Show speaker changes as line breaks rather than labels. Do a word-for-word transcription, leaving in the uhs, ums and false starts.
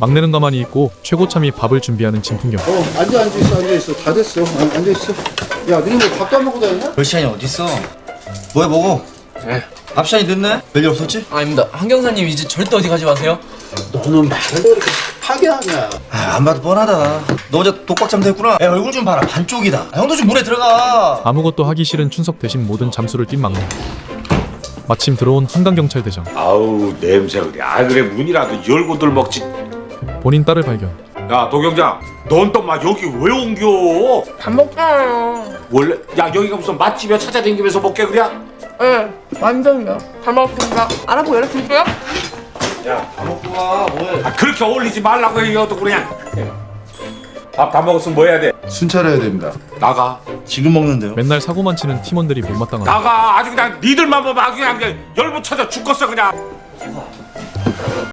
막내는 가만히 있고 최고참이 밥을 준비하는 진풍경.
어, 앉아, 앉아있어, 앉아있어. 다 됐어. 어, 앉아있어. 야, 너네 뭐 밥도 안 먹고 다니냐?
별 시간이 어딨어? 뭐해 먹어?
네.
밥 시간이 늦네? 별일 없었지?
아닙니다. 한경사님 이제 절대 어디 가지 마세요.
너는 말을 왜 이렇게 하게 하냐?
아, 안 봐도 뻔하다. 너 어제 독박잠 됐구나. 야, 얼굴 좀 봐라. 반쪽이다. 아, 형도 좀 물에 들어가.
아무것도 하기 싫은 춘석 대신 모든 잠수를 뛴 막내. 마침 들어온 한강경찰대장.
아우 냄새 그래. 아 그래 문이라도 열고들 먹지.
본인 딸을 발견.
야 도경장, 넌 또 막 여기 왜 옮겨?
밥 먹잖아요.
원래 야 여기가 무슨 맛집이야? 찾아다니면서 먹게 그래?
네, 완전요. 잘 먹겠습니다. 알아보고 연락드릴게요.
밥 먹고 가. 뭐해?
아 그렇게 어울리지 말라고 해요. 또 그냥. 밥 다 먹었으면 뭐 해야 돼?
순 차려야 됩니다.
나가.
지금 먹는데요?
맨날 사고만 치는 팀원들이 못마땅하다.
나가. 아주 그냥 니들만 보면 아주 그냥 열부 쳐져 죽겠어 그냥.